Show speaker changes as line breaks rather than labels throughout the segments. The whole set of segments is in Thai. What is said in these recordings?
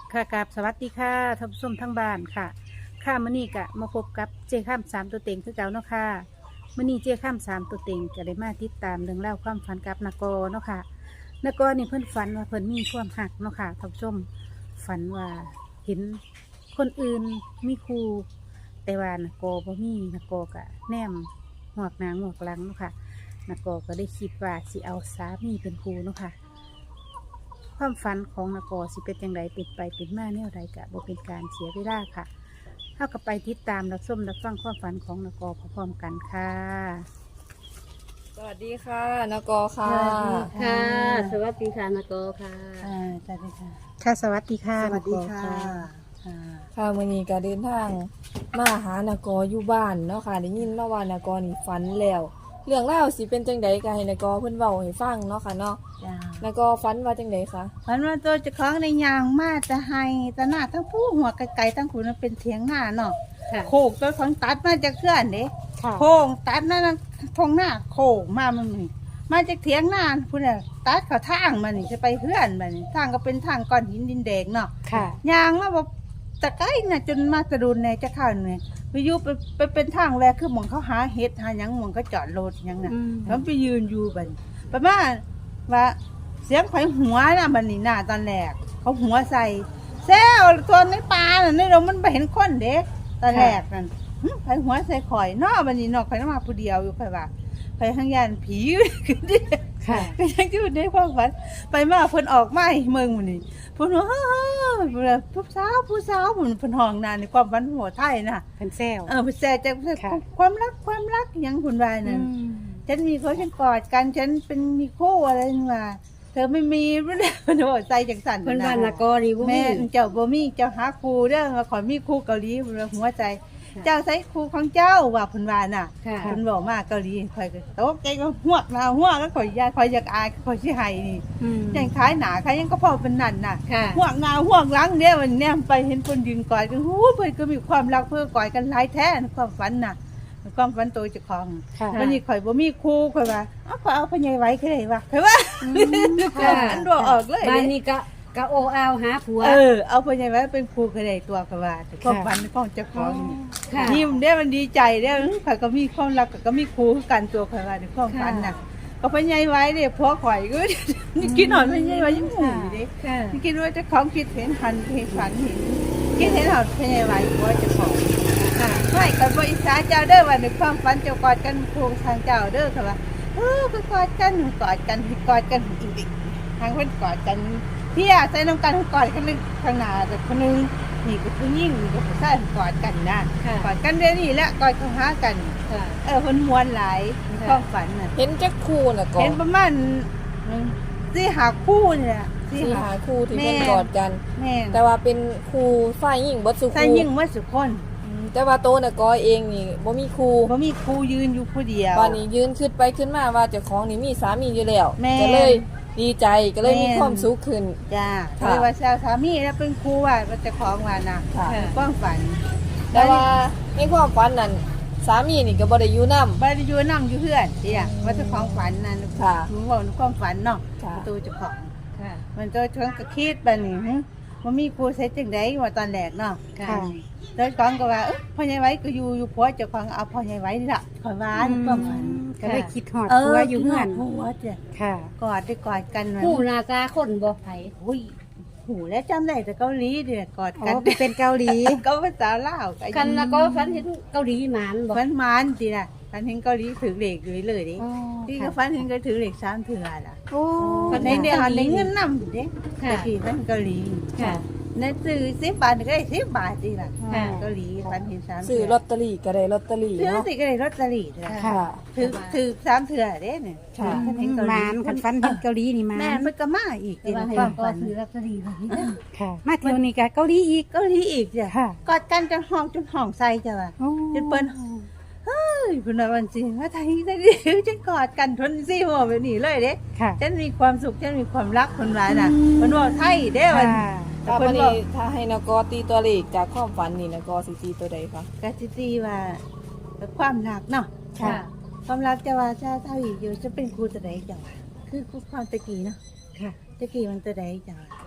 ค่ะกับสวัสดีค่ะท่านผู้ชมทั้งบ้านค่ะค่ะมื้อนี้ก็มาพบกับเจ้ข้ามสามตัวเต็งคือเก่าเนาะค่ะมื้อนี้เจ้ข้ามสามตัวเต็งก็ได้มาติดตามเรื่องเล่าวความฝันกับนกเนาะค่ะนกนี่เพิ่นฝันว่าเพิ่นมีความหักเนาะค่ะท่านผู้ชมฝันว่าเห็นคนอื่นมีครูแต่ว่านกบ่มีนกก็แนมหัวกหนางหัวกหลังเนาะค่ะนกก็ได้คิดว่าสิเอาสามีเป็นครูเนาะค่ะ ความฝันของนกสิเป็นอย่างไรเป็นไปเป็นมาแนวใดกะบ่เป็นการเสียเวลาค่ะเท่ากับไปติดตามรับชมรับฟังความฝันของนกพร้อมๆกันค่ะ
สวัสดีค่ะนกค่ะ
ค่ะ สวัสดีค่ะนโกค่ะ
สวัสดีค่ะค่ะสวัสดีค่ะ
สวัสดีค่ะ
ค่ะวันนี้ก็เดินทางมาหานกอยู่บ้านเนาะค่ะได้ยินมาว่านกนี่ฝันแล้วเรื่องเล่าวสิเป็นจังใดก็ให้นกเพิ่นเว้าให้ฟังเนาะค่ะเนาะ
จ้าน
กฝันว่าจังใดคะ
ฝันว่าตัวเจ้าของในยางมาจะให้ตะหน้าทั้งผู้หัวไกลๆทั้งขุนมันเป็นเถียงหน้าเนาะ
ค่ะ
โขกตัวของตัดมาจากเคลื่อนเด้
ค่ะ
โขงตัดนั่นทงหน้าโขกมามันนี่มาจากเถียงหน้าพุ่นน่ะตัดเขาทางมันนี่จะไปเพื่อนมันนี่ทางก็เป็นทางก้อนหินดินแดงเนาะ
ค่ะ
ยางมาบอกตะไคร้น่ะจนมาตะดุนในจะเข้าเนี่ยไปอยู่ไปเป็นทางแวกคือหมองเขาหาเห็ดหาหยังหมองเขาจอดรถหยังน่ะ แล้วไปยืนอยู่บัดนประมาณว่าเสียงไฟหัวน่ะบันนี่น่ะตอนแรกเขาหัวใส่แซวตัวในป่าน่ะในเรามันไปเห็นคนเด็กตอนแรกนั่นไฟหัวใส่ข่อยเนอบันนี้นอกไฟน้ำมาผู้เดียวอยู่ไฟว่าไฟข้างยานผีกันดิ
ค่ะ
ก็ยังอยู่ในความฝันไปมาเพิ่นออกมาให้เมืองมันนี่เพิ่นว่าเฮ้ยผู้สาวเพิ่นห้องนานในความฝันหัวไทยน่ะ
เป็นแซว
เพิ่นแซ่จาก
ค่ะ
ความรักหยังคุณวายนั่น ฉันมีเขาฉันกอดกันฉันเป็นมีคู่อะไรนี่ว่าเธอไม่มีรู้ได้มันบอกใจจังสัน
เพิ่นว่านโกนี่บ่มี
แม่เจ้าบ่มีเจ้าหาครูเด้อมาขอมีครูเกาหลีเพิ่นว่าหัวใจ เจ้าใช้ครูของเจ้าว่าเพิ่นว่าน่ะ
ค่ะ
เพิ่นบอกมาเกาหลีข่อยก็โตแกก็หวกหน้าหัวก็ข่อยอยากอายข่อยสิให้นี่ยังขายหนาขายยังก็พอเป็นนั่นน่ะ
ค่ะ
หวกหน้าหวกหลังเด้อวันเนี้ยไปเห็นเพิ่นยืนกอดกันหูเพิ่นก็มีความรักเพิ่นกอดกันหลายแท้ในความฝันน่ะในความฝันตัวเจ้าของ
ค่ะ
วันนี้ข่อยบ่มีครูข่อยว่าข่อยเอาพญายไว้คือได้ว่าข่อยว่า
ค่ะ
อันรัวออกเลย
บ้านนี้ก็โอเอาหาผัว
เอาพญายไว้เป็นครูคือได้ตัวข่อยว่าแต่ความฝันของเจ้าของนี่
ค่ะ
ยิ้มได้มันดีใจได้ข่อยก็มีความรักก็มีครูคือกันตัวข่อยว่าในความฝันน่ะก็พญายไว้เด้พอข่อยก็ คิดหอนพญายไว้ยังหูอยู่เด้
ค่ะ
คิดว่าเจ้าของคิดเห็นหันเห็นฝันเห็นคิดเห็นหอนพญายไว้ผัวเจ้าของ
ค่ะ
ไม่กับอิสาเจ้าเด้อว่าในความฝันเจ้ากอดกันครูทางเจ้าเด้อค่ะว่าก็กอดกันอีกทางเพิ่นกอดกันเพี่ใส่น้ำกันกอดกันข้างหน้าแต่คนนึงนี่ก็ผู้หญิงนี่ก็ผู้ชายกอดกันนะ
ค่ะ
กอดกันเดี๋ยวนี้แหละกอดเข้าหากัน
ค่ะ
เพิ่นม่วนหลายในความฝันน่ะ
เห็นจักคู่นก
เห็นประมาณสี่หาคู่นี่แหละ
ที่หาคู่ที่
แม่
เพิ่นกอดกัน
แม่น
แต่ว่าเป็นคู่ฝ่ายหญิงบ่สุ
ใส่
คู่
ยิ่งว่าสุคน
แต่ว่าโตนกเองนี่บ่มีคู่
บ่มีครูยืนอยู่ผู้เดียว
วันนี้ยืนขึ้นไปขึ้นมาว่าเจ้าของนี่มีสามีอยู่แล้ว
แม่
ก็เลยดีใจก็เลยมี
แม่
ความสุขขึ้น
จ้า
ค่ะ
เลยว่าสามีแล้วเป็นครูว่าเจะของว่านะ
ค่ะ
ความฝัน
แต่ว่าในความฝันนั้นสามีนี่ก็บ่ได้อยู่นำ
บริยูนั่งอยู่เพื่อนเดียว่าเจะของฝันนั่น
ค่ะ
หนูบอกในความฝันเนาะ
ค่ะ
ประตูเจะของ
ค่ะ
มันตัวชวนกระคิดบันนี่มันมีครูเซตจังไดว่าตอนแรกเนาะ
ค่ะ
แล้วของก็ว่าพ่อใหญ่ไว้ก็อยู่ผัวเจ้าของเอาพ่อใหญ่ไว้ละขอยว่าในความฝัน
ก็เลยคิดหอด
เอ
ผัว
อ
อยู่เฮือน
ผัวจ้ะ
ค่ะ
กอดได้กอดกันมัน
ผู้หน้าตาคนบ่ไผ
อุ้ยหูแล้วจำได้แต่เกาหลีเดือดกอด
อ๋
กัน
อไปเป็นเกาหลี
ก็ภาษาลาว
กันแล้วก็ฝันเห็นเกาหลีหมานบ่
ฟันมันจีน่ะฟันเห็นเกาหลีถือเหล็กอยู่เลยดิ
อ๋อ
ที่ก็ฟันเห็นก็ถือเหล็กสามเถื่อล่ะ
โอ้
ฟันในเดียวหันในเงินนำเด้
ค่ะ
แต่ที่ฟันเกาหลี
ค่ะ
ในซื้อ10 บาทก็ได้10 บาทจีล่ะ
ค่ะ
เกาหลีฟันเห็นสาม
ซื้อลอตเตอรี่ก็ได้ลอตเตอรี่
ซื้อ
เนาะ
สิก็ได้ลอตเตอรี่จ้ะ
ค่ะ
ถือสามเถื่อเด้เนี่ย
ค่ะ
ฟันเห็นเกาห
ห
ลี
มานคันฟันเห็นเกาหลีนี่หมา
แม่
น
มันก็มาอีก
แต่
จี
ว่า
น่ะ
ให้
ความ
ก็
ฝัน
ซื้อลอตเตอรี่ไว้นี่
ค่ะ มาเที่ยวนี้ก็เกาหลีอีก
เกาหลีอีกจ้ะ
ค่ะ
กอดกันจนห้องใส่จ้ะว่ะ
โอ้
จนเปิ้น เฮ้ยคุณนายวันสิว่าไทยได้ดิฉันกอดกันทนสิหัวแบบนี้เลยเด้
ค่ะ
ฉันมีความสุขฉันมีความรักคนว่าน่ะมันบอกไทยเด้วัน
ค่ะ
ถ้า
เพิ่
วัน
นบอ
นี้
ก
ถ้าให้นกตีตัวเลขจากความฝันนี่นกสิตีตัวใดคะ
กะสิตีว่าความรักเนาะ
ค่ะ
ความรักจะว่าจะเท่าอีกอยู่จะเป็นครูตะไดจ้ะวะคือครูความตะกี้เนาะ
ค่ะ
ตะกี้มันตะไดจ้ะวะ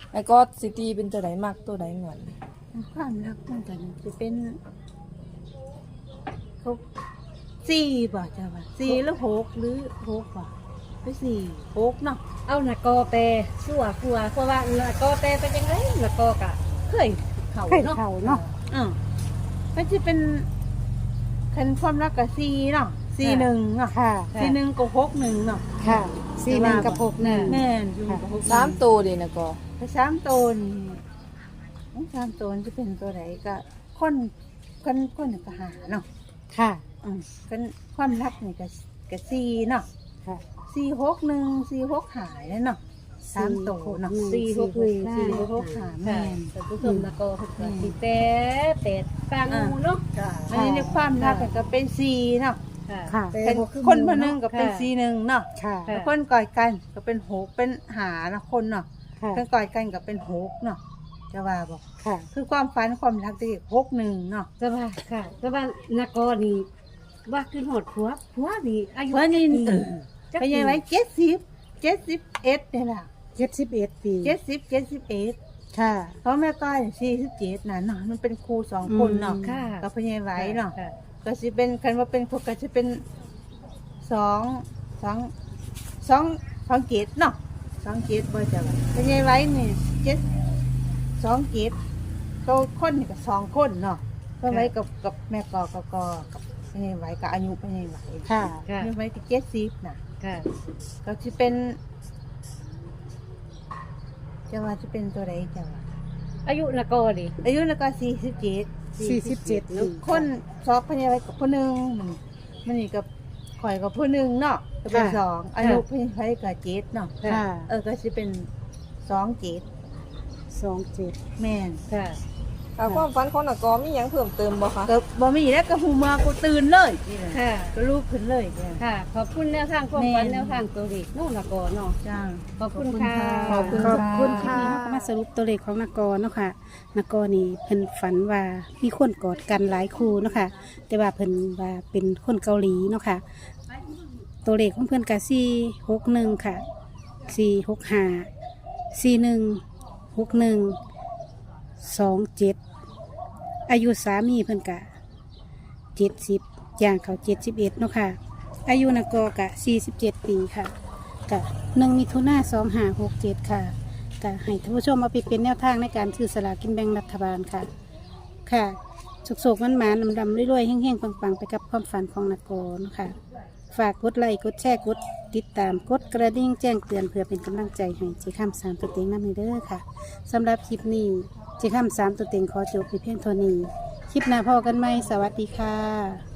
แล้วก็สิตีเป็นตัวใดมักตัวใดเหมือน
ความรักมันกันจะเป็นเขาสี่บ่จ้ะว่าสี่หรือหกหรือหกบ่ไปสี่หกเนาะ
เอานากอแปรสั่วกลัวเพราะว่านากอแปรเป็นจังไดนากอกะเคยเข้า
เคย
เนาะ
เข้าเนาะ
มันจะเป็นคันความรักกับสี่เนาะสี่หนึ่งเนาะ
ค่ะ
สี่หนึ่งกับหกหนึ่งเนาะ
ค่ะ41กับ61
แม่นอยู่กับหก
3ตัวเด้นะก็
ถ้าสามตัวนี่สามตัวจะเป็นตัวไหนก็คนก็หาเนาะ
ค่ะ
กันความรักนี่ก็สี่เนาะ
ค่ะ
461 4 6หายแล้วเนาะสามตัวเนาะ
461
4 6หาแม่น
แต่ผู้ชมนากอเพิ่นก็สิแปรเป็ดปังหมู่เนาะ
อันนี้ในความรักก็เป็นสี่เนาะ
ค่ะ
ค่ะ
เป็นคนคนหนึงก็เป็นสี่หนึ่งเนาะ
ค่ะ
แล้วคนกอดกันก็เป็นหกเป็นหาเนาะคนเนาะ
ค่ะ
คนกอดกันก็เป็นหกเนาะจะว่าบอก
ค่ะ
คือความฝันความรักที่61เนาะ
แต่ว่าค่ะแต่ว่านากอนี่ว่าขึ้นหอดผัวนี่อายุ
เพิ่นนี่
จัก
ไป
ปี
ยังไว้71เนี่ยล่ะ
71 ปี
71
ค่ะ
เพราะแม่ก้อย47น่ะเนาะมันเป็นครู2คนเนาะ
ค่ะ
ก็พยายไว้เนาะ
ค่ะ
ก็สิเป็นคันว่าเป็นพวกก็จะเป็น2 เกตเนาะ2 เกตบ่จะว่าพยายไว้นี่2 เกตโตคนนี่ก็2 คนเนาะก็ไว้กับแม่กอกับพยายไว้กับอายุพยายไว้
ค่ะ
ค่ะ
พยายไว้ที่70น่ะ
ค่ะ
ก็จะเป็นจะว่าจะเป็นตัวใดจะว่า
อายุนากอดิ
อายุแล้วก็47
47เนาะ
คนสอบพยาบาลกับผู้หนึ่งมันนี่กับข่อยกับผู้หนึ่งเนาะก็เป็นสองอายุพยาบาลกับเจ็ดเนาะ
ค่ะ
ก็จะเป็น2 เจ็ด
27
แม่น
ค่ะ
ความฝันของนากอมีหยังเพิ่มเติมบ่คะ
ก็บ่มีแล้วก็หูมากูตื่นเลยนี่แหละ
ค่ะ
ก็ลูกขึ้นเลยเนี่ย
ค่ะ ขอบคุณแนวทางความฝันแนวทางตัวเลขน้องนากอเนาะ
จ้า
ขอบคุณค่ะ
ขอบคุณ
ขอบคุณ
ค่ะ
ค่ะเราก็มาสรุปตัวเลขของนกรเนาะค่ะนกรนี่เพิ่นฝันว่ามีคนกอดกันหลายคู่เนาะค่ะแต่ว่าเพิ่นว่าเป็นคนเกาหลีเนาะค่ะ ตัวเลขของเพิ่นก็461ค่ะ465 4161 27อายุสามีเพิ่นกะ70ย่างเขา71เนาะค่ะอายุนกกะ47 ปีค่ะ กะ1 มิถุนายน 2567 ค่ะกะให้ท่านผู้ชมเอาไปเป็นแนวทางในการซื้อสลากกินแบ่งรัฐบาลค่ะ ค่ะโศกๆมันหมานๆดำๆรวยๆแห้งๆปังๆ ไปกับความฝันของนกรค่ะ ฝากกดไลค์กดแชร์กดติดตามกดกระดิ่งแจ้งเตือนเพื่อเป็นกำลังใจให้เจ้าข้ามสามตัวเต็งน้ำในเด้อค่ะสำหรับคลิปนี้เจ้าข้ามสามตัวเต็งขอจบไปเพียงเท่านี้ คลิปหน้าพอกันไหมสวัสดีค่ะ